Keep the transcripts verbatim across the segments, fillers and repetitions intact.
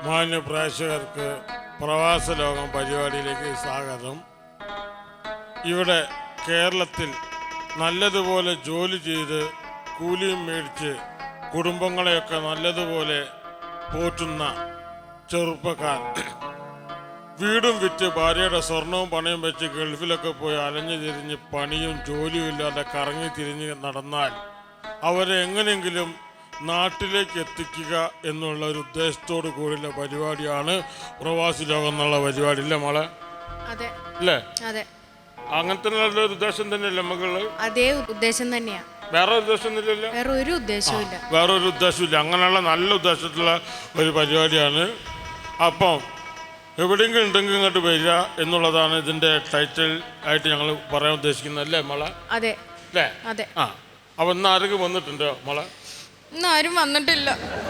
മാന്യ പ്രേക്ഷകർക്ക് പ്രവാസ ലോകം പരിപാടിയിലേക്ക് സ്വാഗതം. ഇവിടെ കേരളത്തിൽ നല്ലതുപോലെ ജോലി ചെയ്ത് കൂലിയും മേടിച്ച് കുടുംബങ്ങളെയൊക്കെ നല്ലതുപോലെ പോറ്റുന്ന ചെറുപ്പക്കാർ, വീടും വിറ്റ് ഭാര്യയുടെ സ്വർണവും പണയും വെച്ച് ഗൾഫിലൊക്കെ പോയി അലഞ്ഞു തിരിഞ്ഞ് പണിയും ജോലിയും ഇല്ലാതെ കറങ്ങി തിരിഞ്ഞ് നടന്നാൽ അവരെ എങ്ങനെയെങ്കിലും നാട്ടിലേക്ക് എത്തിക്കുക എന്നുള്ള ഒരു ഉദ്ദേശത്തോടു കൂടിയുള്ള പരിപാടിയാണ് പ്രവാസി ലോകം എന്നുള്ള പരിപാടി. ഇല്ലേ മോളെ? അല്ലേ? അങ്ങനത്തെ നല്ലൊരു ഉദ്ദേശം തന്നെയല്ലേ മകള്? അതേ ഉദ്ദേശം തന്നെയാ, വേറെ ഉദ്ദേശം ഇല്ലല്ലോ. വേറെ ഒരു ഉദ്ദേശമില്ല, വേറെ ഒരു ഉദ്ദേശമില്ല. അങ്ങനെയുള്ള നല്ല ഉദ്ദേശത്തിലുള്ള ഒരു പരിപാടിയാണ്. അപ്പം എവിടെയെങ്കിലും ഉണ്ടെങ്കിൽ ഇങ്ങോട്ട് വരിക എന്നുള്ളതാണ് ഇതിന്റെ ടൈറ്റിൽ ആയിട്ട് ഞങ്ങൾ പറയാൻ ഉദ്ദേശിക്കുന്നത്. അല്ലേ മോളെ? അതെ അല്ലേ? അതെ. ആ, അപ്പൊ ഇന്ന് ആരെങ്കിലും വന്നിട്ടുണ്ടോ മോളെ? ഇന്നാരും വന്നിട്ടില്ല,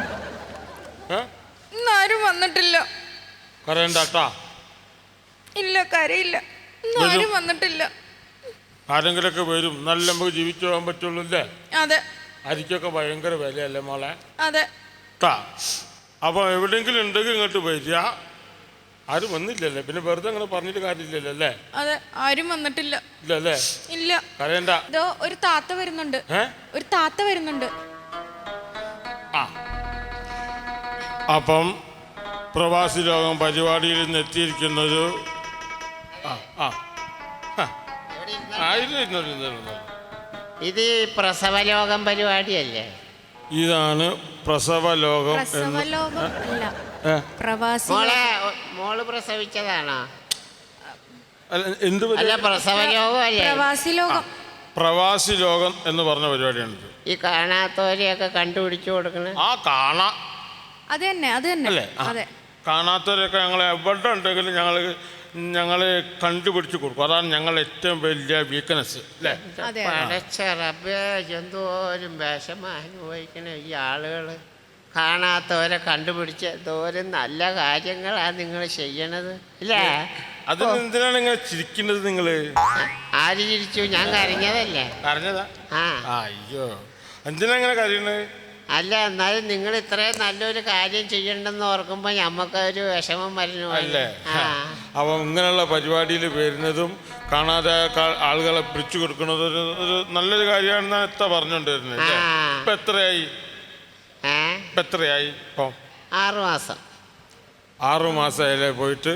ഇന്നാരും വന്നിട്ടില്ല. കരയണ്ടാട്ടാ. ഇല്ല, കരയില്ല. ഇന്നാരും വന്നിട്ടില്ല. ആരെങ്കിലൊക്കെ വരും, നല്ല നമുക്ക് ജീവിച്ചു പോകാൻ പറ്റുള്ളൂ. അല്ലേ? അതെ. അരിക്കൊക്കെ ഭയങ്കര വിലയല്ലേ മോളെ? അതെ. അപ്പൊ എവിടെയെങ്കിലും ഉണ്ടെങ്കിൽ ഇങ്ങോട്ട് വരിക. ആരും വന്നില്ലല്ലേ, പിന്നെ വെറുതെ അങ്ങനെ പറഞ്ഞിട്ട് കാര്യമില്ലല്ലോ. അല്ലേ? അതെ, ആരും വന്നിട്ടില്ല. ഇല്ലല്ലേ? ഇല്ല. കരയണ്ട. ഇതോ ഒരു താത്ത വരുന്നുണ്ട്, ഒരു താത്ത വരുന്നുണ്ട്. ആ, അപ്പം പ്രവാസി ലോകം പരിപാടിയിൽ നിന്ന് എത്തിയിരിക്കുന്നത് ഇത് പ്രസവലോകം പരിപാടിയല്ലേ? ഇതാണ് പ്രസവ ലോകം. മോളെ മോള് പ്രസവിച്ചതാണോ? എന്ത്? അല്ല, പ്രസവലോകം അല്ലേ? പ്രവാസി ലോകം. പ്രവാസി ലോകം എന്ന് പറഞ്ഞ പരിപാടിയാണ്. ഈ കാണാത്തവരെയൊക്കെ കണ്ടുപിടിച്ചു കൊടുക്കണേ. ആ, കാണാ അത് തന്നെ, അത് തന്നെ. അതെ, കാണാത്തവരൊക്കെ ഞങ്ങൾ എവിടെ ഉണ്ടെങ്കിലും ഞങ്ങൾ ഞങ്ങൾ കണ്ടുപിടിച്ച് കൊടുക്കും. അതാണ് ഞങ്ങളുടെ ഏറ്റവും വലിയ വീക്ക്നെസ്. അല്ലേ? പടച്ച റബ്ബേ, എന്തോരം വിഷമം അനുഭവിക്കണ ഈ ആളുകൾ. കാണാത്തവരെ കണ്ടുപിടിച്ച് എന്തോരം നല്ല കാര്യങ്ങളാണ് നിങ്ങൾ ചെയ്യണത്. ഇല്ലേ? അതിന് എന്തിനാണ് ഇങ്ങനെ ചിരിക്കുന്നത് നിങ്ങള്? ആര് ചിരിച്ചു? ഞാൻ കരഞ്ഞതല്ലേ? കരഞ്ഞതാ? ആ. അയ്യോ, എന്തിനാ ഇങ്ങനെ കരയണത്? അല്ല, എന്നാലും നിങ്ങൾ ഇത്രയും നല്ലൊരു കാര്യം ചെയ്യണ്ടെന്ന് ഓർക്കുമ്പോൾ ഞമ്മക്കൊരു വിഷമം വരുന്നു. അല്ലേ? അപ്പം ഇങ്ങനെയുള്ള പരിപാടിയിൽ വരുന്നതും കാണാതെ ആളുകളെ പിടിച്ചു കൊടുക്കുന്നത് ഒരു ഒരു നല്ലൊരു കാര്യമാണെന്നാണ് എത്ര പറഞ്ഞുകൊണ്ടിരുന്നത്. ഇപ്പം എത്രയായി? ഇപ്പം എത്രയായി? ഇപ്പം ആറു മാസം. ആറു മാസമായില്ലേ പോയിട്ട്?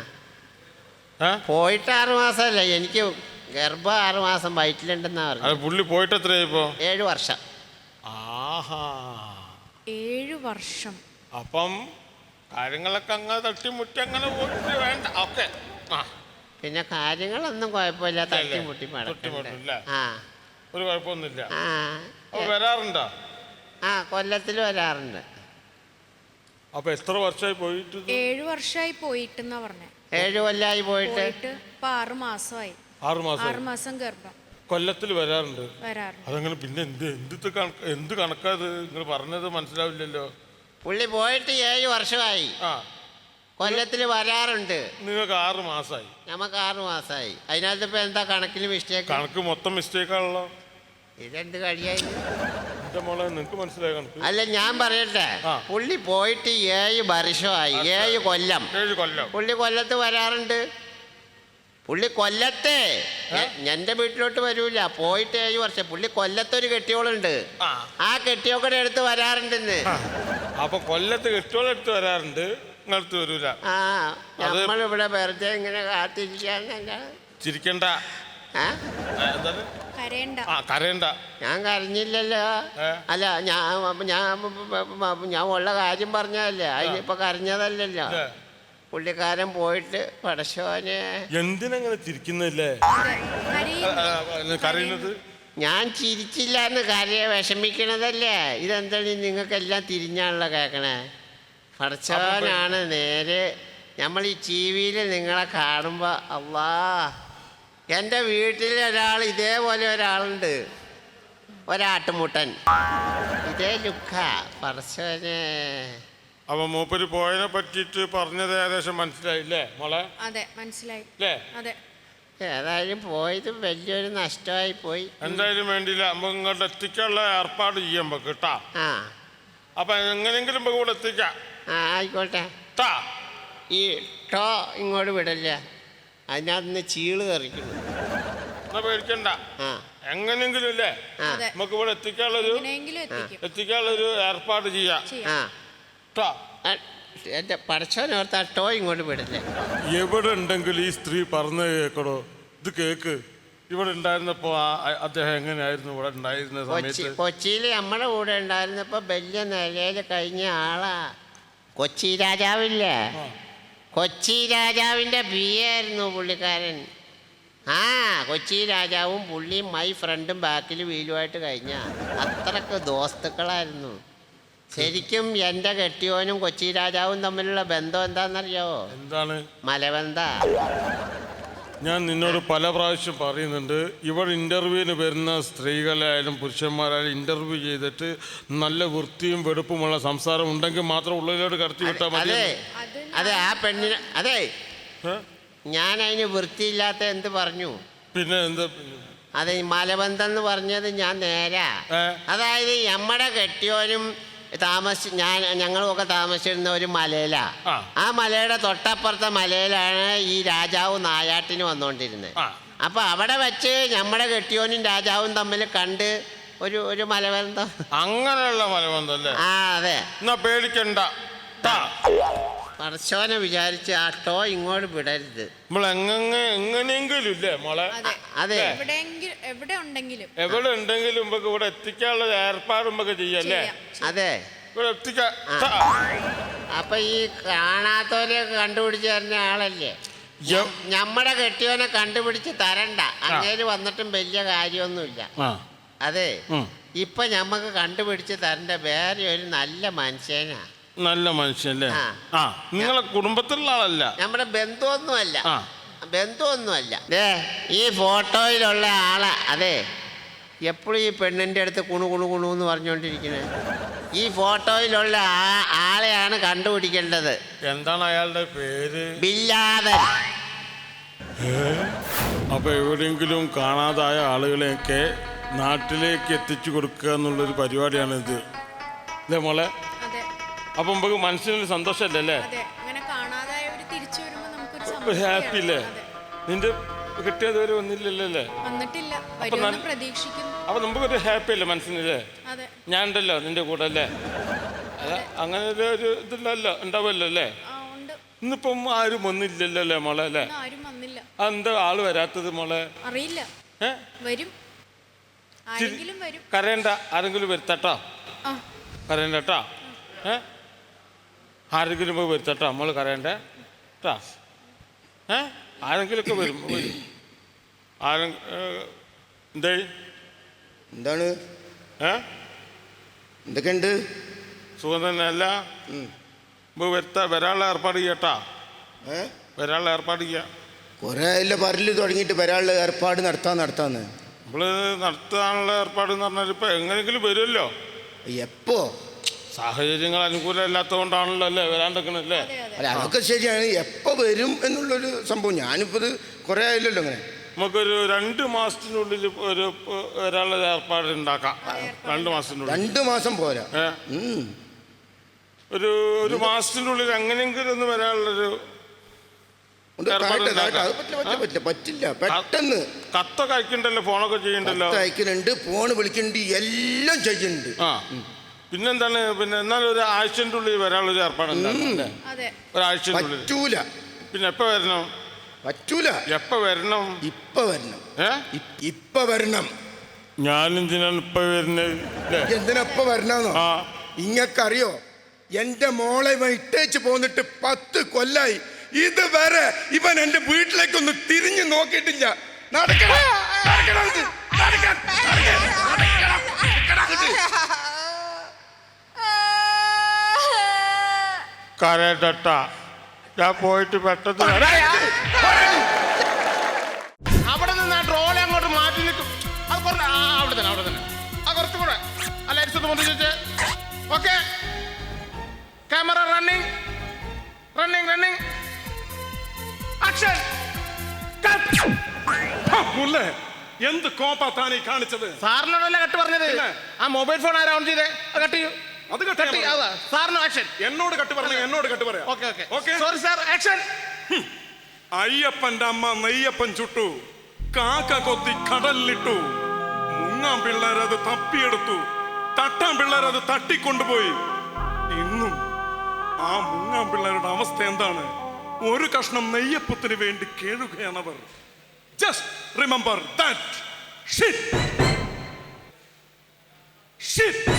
ആ, പോയിട്ട് ആറു മാസമല്ല, എനിക്ക് ഗർഭം ആറു മാസം വയറ്റിലുണ്ടെന്നാ പറഞ്ഞു. അത് പുള്ളി പോയിട്ട് എത്രയായി ഇപ്പോ? ഏഴു വർഷം. ആഹാ, ഏഴു വർഷം. അപ്പം കാര്യങ്ങളൊക്കെ അങ്ങനെ തട്ടിമുട്ടി അങ്ങനെ പോയിട്ട് വേണ്ട. ഓക്കെ. ആ, പിന്നെ കാര്യങ്ങളൊന്നും കുഴപ്പമില്ല, തട്ടിമുട്ടി തട്ടിമുട്ടില്ല, ആ, ഒരു കുഴപ്പമൊന്നുമില്ല. ആ, വരാറുണ്ടോ? ആ, കൊല്ലത്തിൽ വരാറുണ്ട്. അപ്പൊ എത്ര വർഷമായി പോയിട്ട്? ഏഴു വർഷമായി പോയിട്ടെന്നാ പറഞ്ഞേ. ഏഴു കൊല്ലായി പോയിട്ട് ഇപ്പൊ ആറു മാസമായി. ആറു മാസം. ആറു മാസം ഗർഭം. കൊല്ലത്തിൽ വരാറുണ്ട്. വരാറുണ്ട്. അതങ്ങനെ പിന്നെ എന്ത് എന്ത് കണക്ക് എന്ത് കണക്കാത് നിങ്ങൾ പറഞ്ഞത് മനസ്സിലാവില്ലല്ലോ. പുള്ളി പോയിട്ട് ഏഴ് വർഷമായി. ആ, കൊല്ലത്തിൽ വരാറുണ്ട്. നിങ്ങൾക്ക് ആറ് മാസമായി. നമുക്ക് ആറു മാസമായി. അതിനകത്ത് ഇപ്പൊ എന്താ കണക്കിൽ മിസ്റ്റേക്ക്? കണക്ക് മൊത്തം മിസ്റ്റേക്കാണല്ലോ. ഇതെന്ത് കഴിയായി? എന്റെ മോളെ, നിനക്ക് മനസ്സിലായ കണക്ക്? അല്ല, ഞാൻ പറയട്ടെ, പുള്ളി പോയിട്ട് ഏഴ് വർഷമായി. ഏഴ് കൊല്ലം. ഏഴ് കൊല്ലം പുള്ളി കൊല്ലത്ത് വരാറുണ്ട്. പുള്ളി കൊല്ലത്തെ എന്റെ വീട്ടിലോട്ട് വരൂല. പോയിട്ട് ഏഴ് വർഷം. പുള്ളി കൊല്ലത്തൊരു കെട്ടിയോളുണ്ട്, ആ കെട്ടിയോക്കടെ അടുത്ത് വരാറുണ്ടെന്ന്. അപ്പൊ കൊല്ലത്ത് കെട്ടിയോളെടുത്ത് വരാറുണ്ട്, നിങ്ങളടുത്ത് വരൂല. ആ, നമ്മളിവിടെ വെറുതെ ഇങ്ങനെ കാത്തിരിക്കാന്നല്ല. ചിരിക്കണ്ട. കരയണ്ട. ഞാൻ കരഞ്ഞില്ലല്ലോ. അല്ല, ഞാൻ ഞാൻ ഞാൻ ഉള്ള കാര്യം പറഞ്ഞതല്ലേ, അതിനിപ്പോ കരഞ്ഞതല്ലല്ലോ. പുള്ളിക്കാരൻ പോയിട്ട് പടശോനെ. എന്തിനങ്ങനെ ചിരിക്കുന്നില്ലേ? കരയുന്നത് ഞാൻ ചിരിച്ചില്ല എന്ന് കരയെ വിഷമിക്കണതല്ലേ. ഇതെന്താണ് നിങ്ങൾക്കെല്ലാം തിരിഞ്ഞാണല്ലോ കേൾക്കണേ. പടച്ചോനാണ് നേരെ. നമ്മൾ ഈ ടി വിയിൽ നിങ്ങളെ കാണുമ്പോൾ അള്ളാ, എൻ്റെ വീട്ടിൽ ഒരാൾ ഇതേപോലെ ഒരാളുണ്ട്, ഒരാട്ടുമുട്ടൻ, ഇതേ ലുക്കാ. പടച്ചോനെ. അപ്പൊ മൂപ്പര് പോയതിനെ പറ്റിയിട്ട് പറഞ്ഞത് ഏകദേശം മനസ്സിലായില്ലേ മോളെ? അതെ, മനസ്സിലായി. അതെ. ഏതായാലും പോയത് വലിയൊരു നഷ്ടമായി പോയി. എന്തായാലും വേണ്ടിയില്ല, നമുക്ക് ഇങ്ങോട്ട് എത്തിക്കാനുള്ള ഏർപ്പാട് ചെയ്യാൻ കേട്ടാ. ആ, അപ്പൊ എങ്ങനെയെങ്കിലും നമുക്ക് ഇവിടെ എത്തിക്കാം. ആ, ആയിക്കോട്ടെ. ടാ ഈ ടോ ഇങ്ങോട്ട് വിടല്ല, അതിനകത്ത് ചീള് തെറിക്കുന്നു. എന്നാ പേടിക്കണ്ട, ആ എങ്ങനെയെങ്കിലും ഇല്ലേ ആ അതെ. നമുക്ക് ഇവിടെ എത്തിക്കാനുള്ളൊരു എങ്ങനെയെങ്കിലും എത്തിക്കും. എത്തിക്കാനുള്ളൊരു ഏർപ്പാട് ചെയ്യാം. ചെയ്യാം. ആ ട്ടാ. ആ, എൻ്റെ പടച്ചോനോർത്ത് ആ ടോ ഇങ്ങോട്ട് വിടല്ലേ. എവിടെ ഉണ്ടെങ്കിലും ഈ സ്ത്രീ പറഞ്ഞു കേക്കടോ, ഇത് കേക്ക്. ഇവിടെ ഉണ്ടായിരുന്നപ്പോ ആ അദ്ദേഹം എങ്ങനെയായിരുന്നു ഇവിടെ ഉണ്ടായിരുന്ന കൊച്ചി സമയത്ത്? കൊച്ചിയിൽ നമ്മുടെ കൂടെ ഉണ്ടായിരുന്നപ്പോൾ വലിയ നിലയിൽ കഴിഞ്ഞ ആളാ. കൊച്ചി രാജാവില്ലേ, കൊച്ചി രാജാവിൻ്റെ പി ആയിരുന്നു പുള്ളിക്കാരൻ. ആ കൊച്ചി രാജാവും പുള്ളിയും മൈ ഫ്രണ്ടും ബാക്കിൽ വീലുമായിട്ട് കഴിഞ്ഞ അത്രക്ക് ദോസ്തുക്കളായിരുന്നു. ശരിക്കും എൻ്റെ കെട്ടിയോനും കൊച്ചി രാജാവും തമ്മിലുള്ള ബന്ധം എന്താണെന്നറിയാവോ? എന്താണ്? മലബന്ധ. ഞാൻ നിന്നോട് പല പ്രാവശ്യം പറയുന്നുണ്ട്, ഇവിടെ ഇൻ്റർവ്യൂവിന് വരുന്ന സ്ത്രീകളായാലും പുരുഷന്മാരായാലും ഇൻ്റർവ്യൂ ചെയ്തിട്ട് നല്ല വൃത്തിയും വെടുപ്പുമുള്ള സംസാരം ഉണ്ടെങ്കിൽ മാത്രം ഉള്ളിലോട്ട് കടത്തി വിട്ടാൽ മതി. അതെ അതെ ആ പെണ്ണിന് അതെ ഏ? ഞാൻ അതിന് വൃത്തിയില്ലാത്ത എന്ത് പറഞ്ഞു? പിന്നെ എന്താ? അതെ, മലബന്ധം എന്ന് പറഞ്ഞത് ഞാൻ നേരാ. ഏ? അതായത് നമ്മുടെ കെട്ടിയോനും താമസി ഞാൻ ഞങ്ങളുമൊക്കെ താമസിച്ചിരുന്ന ഒരു മലയിലാ. ആ. ആ മലയുടെ തൊട്ടപ്പുറത്തെ മലയിലാണ് ഈ രാജാവ് നായാട്ടിന് വന്നുകൊണ്ടിരുന്നത്. ആ. അപ്പൊ അവിടെ വെച്ച് നമ്മുടെ കെട്ടിയോനും രാജാവും തമ്മിൽ കണ്ട് ഒരു ഒരു മലബന്ധം. അങ്ങനെയുള്ള മലബന്ധം അല്ലേ? ആ അതെ. എന്നാ പേടിക്കണ്ട. ട്ടാ. പടച്ചോനെ വിചാരിച്ച് ആ ടോ ഇങ്ങോട്ട് വിടരുത്. നമ്മൾ എങ്ങനെ എങ്ങനെയെങ്കിലും ഇല്ലേ മോളെ? അതെ. അതെ എവിടെയെങ്കിലും എവിടെ ഉണ്ടെങ്കിലും എവിടെ ഉണ്ടെങ്കിലും നമുക്ക് ഇവിടെ എത്തിക്കാനുള്ള ഏർപ്പാട് നമുക്ക് ചെയ്യല്ലേ? ചെയ്യാം. അതെ. ഇവിടെ എത്തിക്കാം. ആ. ട്ടാ. അപ്പൊ ഈ കാണാത്തവരെയൊക്കെ കണ്ടുപിടിച്ച് തരുന്ന ആളല്ലേ? യ- ഞമ്മടെ കെട്ടിയോനെ കണ്ടുപിടിച്ച് തരണ്ട, അങ്ങേര് വന്നിട്ടും വലിയ കാര്യമൊന്നുമില്ല. ആ. അതെ, ഉം. ഇപ്പൊ ഞമ്മക്ക് കണ്ടുപിടിച്ച് തരണ്ട വേറെ ഒരു നല്ല മനുഷ്യനാ. നല്ല മനുഷ്യല്ലേ? ആ. ആ. നിങ്ങളെ കുടുംബത്തിലുള്ള ആളല്ല. നമ്മുടെ ബന്ധുവൊന്നുമല്ല, ആ. ബന്ധുവൊന്നുമല്ല. ദേ ഈ ഫോട്ടോയിലുള്ള ആളാ. അതെ, എപ്പോഴും ഈ പെണ്ണിൻ്റെ അടുത്ത് കുണു കുണു കുണു എന്ന് പറഞ്ഞുകൊണ്ടിരിക്കുന്നത്. ഈ ഫോട്ടോയിലുള്ള ആ ആളെയാണ് കണ്ടുപിടിക്കേണ്ടത്. എന്താണ് അയാളുടെ പേര്? ബില്ലാദൻ. അപ്പൊ എവിടെയെങ്കിലും കാണാതായ ആളുകളെയൊക്കെ നാട്ടിലേക്ക് എത്തിച്ചു കൊടുക്കുക എന്നുള്ളൊരു പരിപാടിയാണ് ഇത്, അല്ലേ മോളെ? അതെ. അപ്പൊ നമുക്ക് മനസ്സിനൊരു സന്തോഷമല്ലേ അല്ലേ? അതെ. അങ്ങനെ കാണാതായവര് തിരിച്ചു വരുമ്പോ നമുക്കൊരു ഒരു ഹാപ്പി അല്ലേ? അതെ. നിന്റെ കിട്ടിയതുവരെ ഒന്നില്ലല്ലോ അല്ലേ? വന്നിട്ടില്ല, അപ്പൊ വരുമെന്ന് ഞാൻ- പ്രതീക്ഷിക്കുന്നു. അപ്പൊ നമുക്കൊരു ഹാപ്പി അല്ലേ മനസ്സിനല്ലേ? അതെ. ഞാൻ ഉണ്ടല്ലോ നിന്റെ കൂടെ അല്ലേ? അല്ല അങ്ങനെ ഒരു ഒരു ഇതില്ലല്ലോ, ഉണ്ടാവുമല്ലോ അല്ലേ? ആ ഉണ്ട്. ഇന്നിപ്പം ആരും ഒന്നില്ലല്ലോ അല്ലേ മോളെ അല്ലേ? ഇന്ന് ആരും വന്നില്ല. അതെന്താ ആള് വരാത്തത് മോളെ? അറിയില്ല. ഏ വരും, ആരെങ്കിലും വരും. കരയണ്ട, ആരെങ്കിലും വരുത്തട്ടോ, ആ കരയണ്ട കേട്ടോ. ഏ ആരെങ്കിലും പോയി വരുത്തട്ടോ, നമ്മൾ കരയണ്ടേ കേട്ടോ. ഏ ആരെങ്കിലുമൊക്കെ വരും വരും ആരെ എന്തേ എന്താണ്? ഏ എന്തൊക്കെയുണ്ട്? സുഖം തന്നെ അല്ല? ഇപ്പോൾ വരുത്ത വരാനുള്ള ഏർപ്പാട് ചെയ്യട്ടാ, ഏ വരാനുള്ള ഏർപ്പാട് ചെയ്യാം. കുറേ അല്ല പറല് തുടങ്ങിയിട്ട് വരാനുള്ള ഏർപ്പാട് നടത്താൻ നടത്താന്ന്. നമ്മൾ നടത്താനുള്ള ഏർപ്പാട് എന്ന് പറഞ്ഞാൽ ഇപ്പം എങ്ങനെയെങ്കിലും വരുമല്ലോ. എപ്പോ? സാഹചര്യങ്ങൾ അനുകൂലമല്ലാത്തതുകൊണ്ടാണല്ലോ അല്ലേ വരാണ്ടിരിക്കണല്ലേ? അതെ അതെ. അല്ല അതൊക്കെ ശരിയാണ്. എപ്പോൾ വരും എന്നുള്ളൊരു സംഭവം. ഞാനിപ്പോൾ ഇത് കുറേ ആയില്ലല്ലോ അങ്ങനെ. നമുക്കൊരു രണ്ട് മാസത്തിനുള്ളിൽ ഒരു വരാനുള്ള ഏർപ്പാട് ഉണ്ടാക്കാം. രണ്ട് മാസത്തിനുള്ളിൽ. രണ്ട് മാസം പോരാ. ഏ ഉം. ഒരു ഒരു മാസത്തിൻ്റെ ഉള്ളിൽ എങ്ങനെയെങ്കിലും ഒന്ന് വരാനുള്ളൊരു ഒന്ന് ഏർപ്പാട് കാട്ടെ, കാട്ടെ. ഉണ്ടാക്കാം. അത് പറ്റില്ല പറ്റില്ല പറ്റില്ല പറ്റില്ല പെട്ടെന്ന്. കത്തൊക്കെ അയക്കണ്ടല്ലോ, ഫോണൊക്കെ ചെയ്യണ്ടല്ലോ. കത്ത് അയക്കുന്നുണ്ട്, ഫോൺ വിളിക്കുന്നുണ്ട്, എല്ലാം ചെയ്യുന്നുണ്ട്. ആ പിന്നെന്താണ്, പിന്നെ എന്നാലും ഒരു ആഴ്ചൻ്റെ ഉള്ളിൽ വരാനുള്ളൊരു ഏർപ്പാട് ഉണ്ടാക്കാം. അതെ. ഒരാഴ്ചൻ്റെ ഉള്ളിൽ. പറ്റൂല പിന്നെ എപ്പോൾ വരണം? പറ്റൂല. എപ്പോൾ വരണം? ഇപ്പൊ വരണം. ഏ ഇ- ഇപ്പൊ വരണം. ഞാനെന്തിനാണ് ഇപ്പം വരുന്നത് അല്ലേ? എന്തിനപ്പ വരണോ? ആ ഇങ്ങക്കറിയോ, എന്റെ മോളെ ഇവൻ ഇട്ടേച്ച് പോന്നിട്ട് പത്ത് കൊല്ലായി. ഇതുവരെ ഇവൻ എന്റെ വീട്ടിലേക്കൊന്ന് തിരിഞ്ഞു നോക്കിയിട്ടില്ല. നടക്കണം, നടക്കണം ഇത്, നടക്കാൻ, നടക്കാൻ, നടക്കണം, നടക്കണം ഇത്. കരട്ട ഞാൻ പോയിട്ട് പെട്ടെന്ന് വരാം. അവിടെ നിന്ന് ആ ട്രോളി അങ്ങോട്ട് മാറ്റി നിൽക്കും. അത് കുറച്ച് ആ അവിടെ തന്നെ അവിടെ തന്നെ ആ കുറച്ചും കൂടെ ആ ലൈറ്റ്സ് ഒന്ന് പൊന്തി വെച്ച്. Okay, camera running running running action. മുല്ലേ, എന്ത് കോപ്പാ താനീ കാണിച്ചത്? സാറിനോടല്ലേ കട്ട് പറഞ്ഞത്? ആ മൊബൈൽ ഫോൺ ആരാ ഓൺ ചെയ്തേ? അത് കട്ട് ചെയ്യൂ. അത് കട്ട് കട്ട് ചെയ്യാൻ ആ, സാറിന് ആക്ഷൻ. എന്നോട് കട്ട് പറഞ്ഞ എന്നോട് കട്ട് പറയാം. Okay okay okay. Sorry sir action. അയ്യപ്പന്റെ അമ്മ നെയ്യപ്പൻ ചുട്ടു, കാക്ക കൊത്തി കടലിലിട്ടു, മുങ്ങാൻ പിള്ളേരത് തപ്പിയെടുത്തു, തട്ടാൻ പിള്ളേരത് തട്ടിക്കൊണ്ടുപോയി. ഇന്നും ആ മുങ്ങാൻ പിള്ളേരുടെ അവസ്ഥ എന്താണ്? ഒരു കഷ്ണം നെയ്യപ്പത്തിന് വേണ്ടി കേഴുകയാണവർ. Just remember that. Shit shit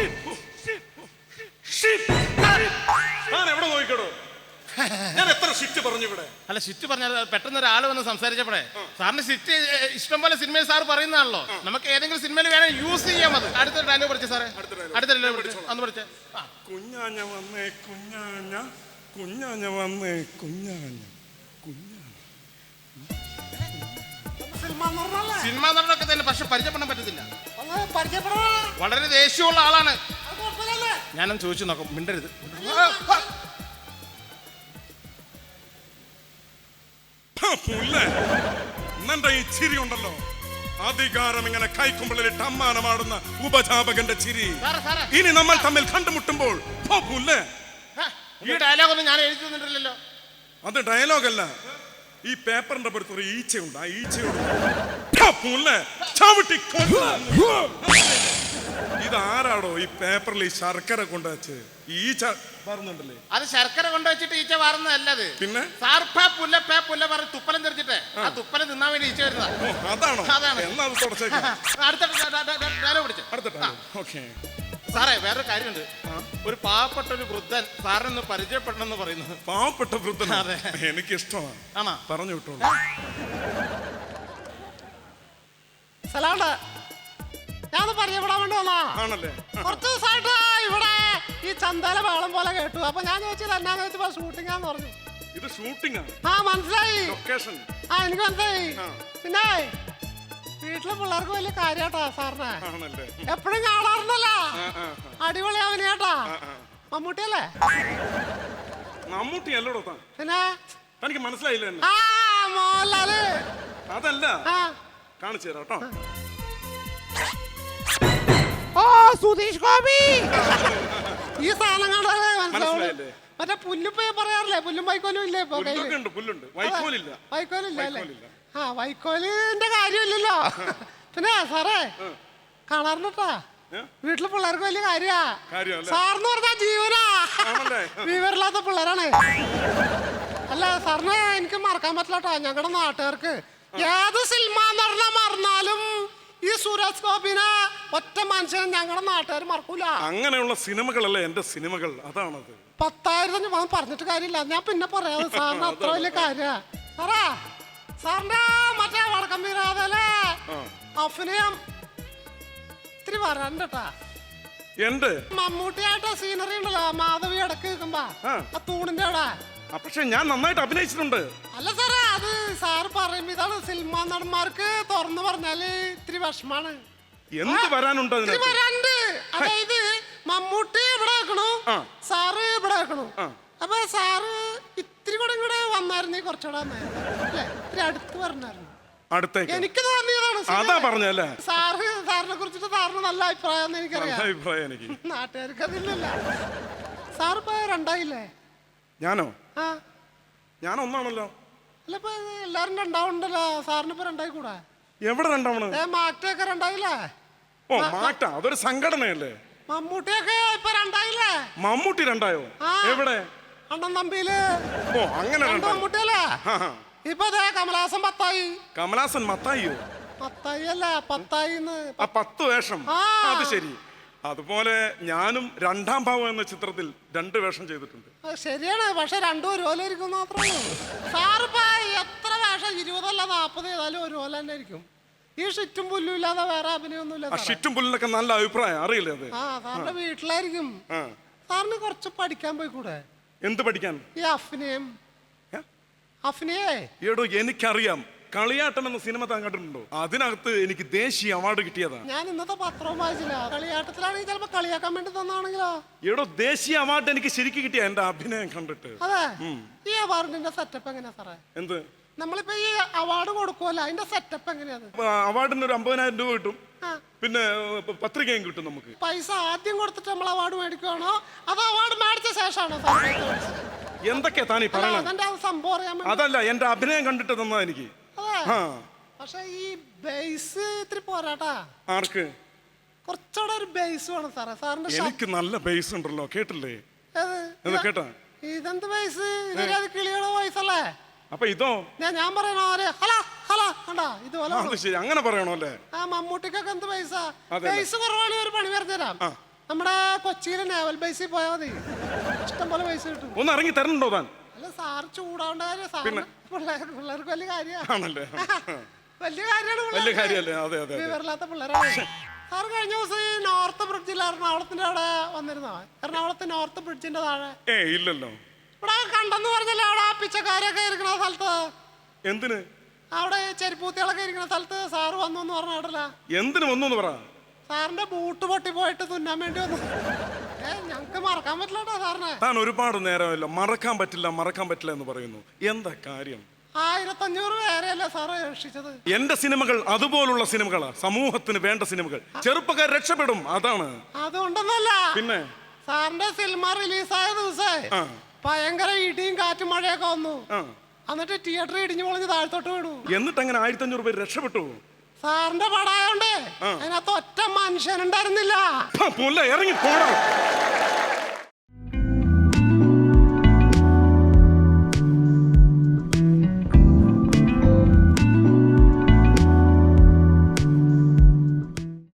shit. ഞാൻ എവിടെ നോക്കിക്കടോ? ഞാൻ എത്ര ഷിറ്റ് പറഞ്ഞു ഇവിടെ? അല്ല സിറ്റ് പറഞ്ഞാൽ പെട്ടെന്ന് ഒരാൾ വന്ന് സംസാരിച്ചപ്പോഴേ സാറിന് സിറ്റ് ഇഷ്ടം പോലെ സിനിമയിൽ സാർ പറയുന്നതാണല്ലോ. നമുക്ക് ഏതെങ്കിലും സിനിമയിൽ വേണം യൂസ് ചെയ്യാം. അത് അടുത്ത ഡയലോഗ് പഠിച്ചു സാറേ. അടുത്ത ഡയലോഗ് പഠിച്ചു അന്ന് പഠിച്ചേ. കുഞ്ഞാഞ്ഞ വന്നേ കുഞ്ഞാഞ്ഞ, കുഞ്ഞാഞ്ഞ വന്നേ കുഞ്ഞാഞ്ഞ, കുഞ്ഞാഞ്ഞ. സിനിമ നടനൊക്കെ തന്നെ, പക്ഷെ പരിചയപ്പെടാൻ പറ്റത്തില്ല. വളരെ ദേഷ്യമുള്ള ആളാണ്. ഞാനൊന്ന് ചോദിച്ചു നോക്കാം, മിണ്ടരുത്. എന്നെ ഈ ചിരി ഉണ്ടല്ലോ, അധികാരം ഇങ്ങനെ കൈക്കുമ്പിളിൽ അമ്മാനമാടുന്ന ഉപജാപകന്റെ ചിരി. സാറേ, സാറേ. ഇനി നമ്മൾ തമ്മിൽ കണ്ടുമുട്ടുമ്പോൾ ഈ ഡയലോഗ് ഒന്നും ഞാൻ എഴുതി തന്നിട്ടില്ലല്ലോ. അത് ഡയലോഗല്ല, ഈ പേപ്പറിന്റെ പുറത്ത് ഒരു ഈച്ചയുണ്ട്. ആ ഈച്ചയോട് ചവിട്ടി ഇതാരാടോ ഈ പേപ്പറിൽ ഈ ശർക്കര കൊണ്ടുവച്ച് ഈച്ച പറഞ്ഞുണ്ടല്ലേ? അത് ശർക്കര കൊണ്ടുവച്ചിട്ട് ഈച്ച വാറുന്നതല്ലത്. പിന്നെ സാർ പേ പുല്ല പേ പുല്ല പറഞ്ഞ് തുപ്പലം തെറിച്ചിട്ട് ആ തുപ്പലം തിന്നാൻ വേണ്ടി ഈച്ച വരുന്നതാ. അതാണോ? അതാണ്. എന്നാ അത് തുടച്ചേക്കാം. അടുത്ത ഡയലോഗ് പിടിച്ചു. അടുത്ത ഓക്കെ. സാറേ വേറൊരു കാര്യമുണ്ട്. ഒരു പാവപ്പെട്ട ഒരു വൃദ്ധൻ സാറിനൊന്ന് പരിചയപ്പെടണമെന്ന് പറയുന്നത്. പാവപ്പെട്ട വൃദ്ധൻ? അതെ. എനിക്ക് ഇഷ്ടമാണ്. ആണോ? പറഞ്ഞു വിട്ടോളൂ. സലാണ്ട് ഞാൻ പരിചയപ്പെടാൻ വേണ്ടി വന്നാ. ആണല്ലേ? കുറച്ച് ദിവസമായിട്ട് ഇവിടെ ഈ ചന്തല വേളം പോലെ കേട്ടു. അപ്പൊ ഞാൻ ചോദിച്ചത് എന്നാന്ന് വെച്ചപ്പോ ഷൂട്ടിംഗ് ആന്ന് പറഞ്ഞു. ഇത് ഷൂട്ടിംഗ് ആണ്. ആ മനസ്സിലായി. ലൊക്കേഷൻ. ആ എനിക്ക് മനസ്സിലായി. ആ. പിന്നെ വീട്ടിലെ പിള്ളേർക്ക് വലിയ കാര്യാട്ടാ സാറിനെ. ആണല്ലേ? എപ്പോഴും കാണാറുണ്ടല്ലോ. ആ, ആ, അടിപൊളി അവനെയാട്ടാ. ആ, ആ. മമ്മൂട്ടിയല്ലേ? മമ്മൂട്ടി അല്ലടോ താൻ. പിന്നെ തനിക്ക് മനസ്സിലായില്ല എന്നെ? ആ മോഹൻലാല്. അതല്ല, ആ കാണിച്ചു തരാം കേട്ടോ. ഓ സുധീഷ് ഗോപി. ഈ സാധനം കണ്ടാലേ മനസ്സിലാവുള്ളൂ. മനസ്സിലായില്ലേ? മറ്റേ പുല്ലുപ്പേ പറയാറില്ലേ, പുല്ലും വൈക്കോലും ഇല്ലേ ഇപ്പൊ കയ്യില്? പുല്ലൊക്കെ ഉണ്ട്, പുല്ലുണ്ട്. വൈക്കോലില്ല. വൈക്കോലില്ല അല്ലേ? വൈക്കോലില്ല. ആ വൈക്കോലിന്റെ കാര്യമില്ലല്ലോ. പിന്നെ സാറേ കാണാറുണ്ടാ ഏ? വീട്ടിലെ പിള്ളേർക്ക് വലിയ കാര്യാ. കാര്യമല്ലേ? സാറിന് പറഞ്ഞാ ജീവനാ. ആണല്ലേ? വിവരമില്ലാത്ത പിള്ളേരാണ്. അല്ല സാറിന് എനിക്ക് മറക്കാൻ പറ്റില്ലട്ടോ. ഞങ്ങളുടെ നാട്ടുകാർക്ക് ഏത് സിനിമ നടന്ന മറന്നാലും ഈ സുരേഷ് ഗോപിനെ ഒറ്റ മനുഷ്യനെ ഞങ്ങളുടെ നാട്ടുകാർ മറക്കൂല. അങ്ങനെയുള്ള സിനിമകളല്ലേ എന്റെ സിനിമകൾ. അതാണത്. പത്തായിരത്തി ഞാൻ പറഞ്ഞിട്ട് കാര്യമില്ല, ഞാൻ പിന്നെ പറയാം. സാറിന് അത്ര വലിയ കാര്യ. സാറാ സാറിന്റെ മറ്റേ വടക്കം വീരാതല്ലേ അഭിനയം ഇത്തിരി വരണ്ടട്ടാ. എന്റെ മമ്മൂട്ടിയായിട്ട് സീനറി ഉണ്ടല്ലോ, മാധവി ഇടക്ക് നിൽക്കുമ്പോ ആ. ആ തൂണിന്റെ അവിടെ. പക്ഷെ ഞാൻ നന്നായിട്ട് അഭിനയിച്ചിട്ടുണ്ട്. അല്ല സാറേ, അത് സാറ് പറയുമ്പോ ഇതാണ് സിനിമാ നടന്മാർക്ക് തുറന്നു പറഞ്ഞാല് ഇത്തിരി വിഷമാണ്. എന്ത് വരാനുണ്ട് ഇത്തിരി അതിനകത്ത്? വരാണ്ട്. അതായത് മമ്മൂട്ടി ഇവിടെ വെക്കണു, ആ. സാറ് ഇവിടെ വെക്കണു. ആ. അപ്പൊ സാറ് ഇത്തിരി കൂടെ ഇങ്ങോട്ട് വന്നായിരുന്നു കുറച്ചുകൂടെ നന്നായിരുന്നു. അല്ലേ? ഇത്തിരി അടുത്ത് പറഞ്ഞായിരുന്നു. അടുത്തേക്ക് എനിക്ക് തോന്നിയതാണ്. അതാ പറഞ്ഞല്ലേ? സാറ് സാറിനെ കുറിച്ചിട്ട് സാറിന് നല്ല അഭിപ്രായം നല്ല എനിക്കറിയാം. അഭിപ്രായം എനിക്ക്. നാട്ടുകാർക്ക് അതില്ലല്ല. സാറിപ്പോ രണ്ടായില്ലേ? ഞാനോ? ആ ഞാൻ ഒന്നാണല്ലോ. അല്ല ഇപ്പൊ എല്ലാരും രണ്ടാവുണ്ടല്ലോ. സാറിനിപ്പോ രണ്ടായി കൂടാ? എവിടെ രണ്ടാവണ്? ഏ മാറ്റൊക്കെ രണ്ടായില്ലേ? ഓ മാറ്റ, അതൊരു സംഘടനയല്ലേ? മമ്മൂട്ടിയൊക്കെ ഇപ്പൊ രണ്ടായില്ലേ? മമ്മൂട്ടി രണ്ടായോ? ആ. എവിടെ? അണ്ണൻ തമ്പിയില് ഓ അങ്ങനെ രണ്ട് രണ്ടായി. മമ്മൂട്ടിയല്ലേ? ആ, ആ. ഇപ്പൊ ദേ കമലഹാസൻ പത്തായി. കമലാസൻ മത്തായിയോ? പത്തായി അല്ല പത്തായിന്ന്. ആ പത്ത് വേഷം. ആ. അത് ശരി. അതുപോലെ ഞാനും രണ്ടാം ഭാവം എന്ന ചിത്രത്തിൽ രണ്ട് വേഷം ചെയ്തിട്ടുണ്ട്. അത് ശരിയാണ്, പക്ഷെ രണ്ടും ഒരുപോലെ ഇരിക്കും മാത്രമേ ഉള്ളൂ. സാറിപ്പോ എത്ര വേഷം, ഇരുപതല്ല നാപ്പത് ഏതായാലും ഒരുപോലെ തന്നെ ഇരിക്കും. ഈ ഷിറ്റും പുല്ലും ഇല്ലാതെ വേറെ അഭിനയൊന്നുമില്ല. ആ ഷിറ്റും പുല്ലിനൊക്കെ നല്ല അഭിപ്രായം, അറിയില്ലേ അത്? ആ സാറിന്റെ വീട്ടിലായിരിക്കും. ആ. സാറിന് കുറച്ച് പഠിക്കാൻ പോയി കൂടെ? എന്ത് പഠിക്കാൻ? ഈ അഭിനയം. ഏ? അഭിനയേ എടോ എനിക്കറിയാം. കളിയാട്ടം എന്ന സിനിമ താൻ കണ്ടിട്ടുണ്ടോ? അതിനകത്ത് എനിക്ക് ദേശീയ അവാർഡ് കിട്ടിയതാണ്. ഞാൻ ഇന്നത്തെ പത്രവും വായിച്ചില്ല. കളിയാട്ടത്തിലാണെങ്കിൽ ചിലപ്പോ കളിയാക്കാൻ വേണ്ടി തന്നാണെങ്കിലോ? എടോ ദേശീയ അവാർഡ് എനിക്ക് ശരിക്കും കിട്ടിയ എന്റെ അഭിനയം കണ്ടിട്ട്. അതെ. ഈ അവാർഡിന്റെ സെറ്റപ്പ് എങ്ങനെയാ സാറേ? എന്ത്? നമ്മളിപ്പോ ഈ അവാർഡ് കൊടുക്കുമല്ലോ അതിന്റെ സെറ്റപ്പ് എങ്ങനെയാണ്? അവാർഡിന് ഒരു അമ്പതിനായിരം രൂപ കിട്ടും, ആ, പിന്നെ പ- പത്രികയും കിട്ടും നമുക്ക്. പൈസ ആദ്യം കൊടുത്തിട്ട് നമ്മൾ അവാർഡ് മേടിക്കുവാണോ അതോ അവാർഡ് മേടിച്ച ശേഷമാണോ സാർ പൈസ മേടിച്ചത്? എന്തൊക്കെയാ താനീ അല്ല, പറയണത്? അതെന്റെ ആ സംഭവം അറിയാൻ വേണ്ടി. അതല്ല, എന്റെ അഭിനയം കണ്ടിട്ട് തന്നാ എനിക്ക്. അതെ. ആ പക്ഷെ ഈ ബേസ് ഇത്തിരി പോരാട്ടാ, ആർക്ക്? കുറച്ചുകൂടെ ഒരു ബേസ് വേണം സാറേ. സാറിന്റെ ഷ- എനിക്ക് നല്ല ബേസ് ഉണ്ടല്ലോ, കേട്ടില്ലേ? ഏത്? എന്ന് കേട്ടാ? ഇതെന്ത് ബേസ്? ഇതൊരു കിളിയുടെ വോയിസ് അല്ലേ? അപ്പൊ ഇതോ? ഞാൻ ഞാൻ പറയണ ഹലോ ഹലോ കണ്ടാ ഇതുപോലെ ആ, അത് ശരി, അങ്ങനെ പറയണോ അല്ലേ? ആ മമ്മൂട്ടിക്കൊക്കെ എന്ത് പൈസ? അതെ. ബേസ് കുറവാണ് ഒരു പണി പറഞ്ഞുതരാം. ആ. നമ്മുടെ കൊച്ചിയിലെ നേവൽ ബേസിൽ പോയാൽ മതി, ഇഷ്ടം പോലെ പൈസ കിട്ടും. ഒന്ന് ഇറങ്ങി തരണുണ്ടോ താൻ? അല്ല സാറ് ചൂടാവേണ്ട കാര്യം, സാറിന് പിള്ളേർ പിള്ളേർക്ക് വലിയ കാര്യമാണ്. ആണല്ലേ? വലിയ കാര്യമാണ് വലിയ കാര്യല്ലേ? അതെ അതെ അതെ. വിവരമില്ലാത്ത പിള്ളേരാണ്. സാറ് കഴിഞ്ഞ ദിവസം ഈ നോർത്ത് ബ്രിഡ്ജിൽ എറണാകുളത്തിന്റെ അവിടെ വന്നിരുന്നോ? എറണാകുളത്ത് നോർത്ത് ബ്രിഡ്ജിന്റെ താഴെ ഏ ഇല്ലല്ലോ. ഇവിടെ കണ്ടെന്ന് പറഞ്ഞല്ലേ അവിടെ ആ പിച്ചക്കാരൊക്കെ ഇരിക്കുന്ന സ്ഥലത്ത്, എന്തിന്? അവിടെ ചെരുപ്പൂത്തികളൊക്കെ ഇരിക്കുന്ന സ്ഥലത്ത് സാറ് വന്നു എന്ന് പറഞ്ഞ കേട്ടല്ല. എന്തിനു വന്നു എന്ന് പറ. സാറിന്റെ ബൂട്ട് പൊട്ടി പോയിട്ട് തുന്നാൻ വേണ്ടി വന്നു. ഏ ഞങ്ങക്ക് മറക്കാൻ പറ്റില്ല കേട്ടോ സാറിനെ. താൻ ഒരുപാട് നേരമല്ലോ മറക്കാൻ പറ്റില്ല മറക്കാൻ പറ്റില്ല എന്ന് പറയുന്നു. എന്താ കാര്യം? ആയിരത്തഞ്ഞൂറ് പേരെയല്ലേ സാറ് രക്ഷിച്ചത്. എന്റെ സിനിമകൾ അതുപോലുള്ള സിനിമകളാ, സമൂഹത്തിന് വേണ്ട സിനിമകൾ. ചെറുപ്പക്കാർ രക്ഷപ്പെടും, അതാണ്. അതുകൊണ്ടൊന്നല്ല, പിന്നെ സാറിന്റെ സിനിമ റിലീസായ ദിവസേ ആ. ഭയങ്കര ഇടിയും കാറ്റും മഴയൊക്കെ വന്നു. ആ. എന്നിട്ട് തിയേറ്റർ ഇടിഞ്ഞു പൊളിഞ്ഞ് താഴ്ത്തോട്ട് വീണു. എന്നിട്ട് അങ്ങനെ ആയിരത്തി അഞ്ഞൂറ് പേര് രക്ഷപ്പെട്ടു. സാറിന്റെ പടായോണ്ട് ആ. അതിനകത്ത് ഒറ്റ മനുഷ്യനുണ്ടായിരുന്നില്ല. പുല്ല ഇറങ്ങി പോടാ.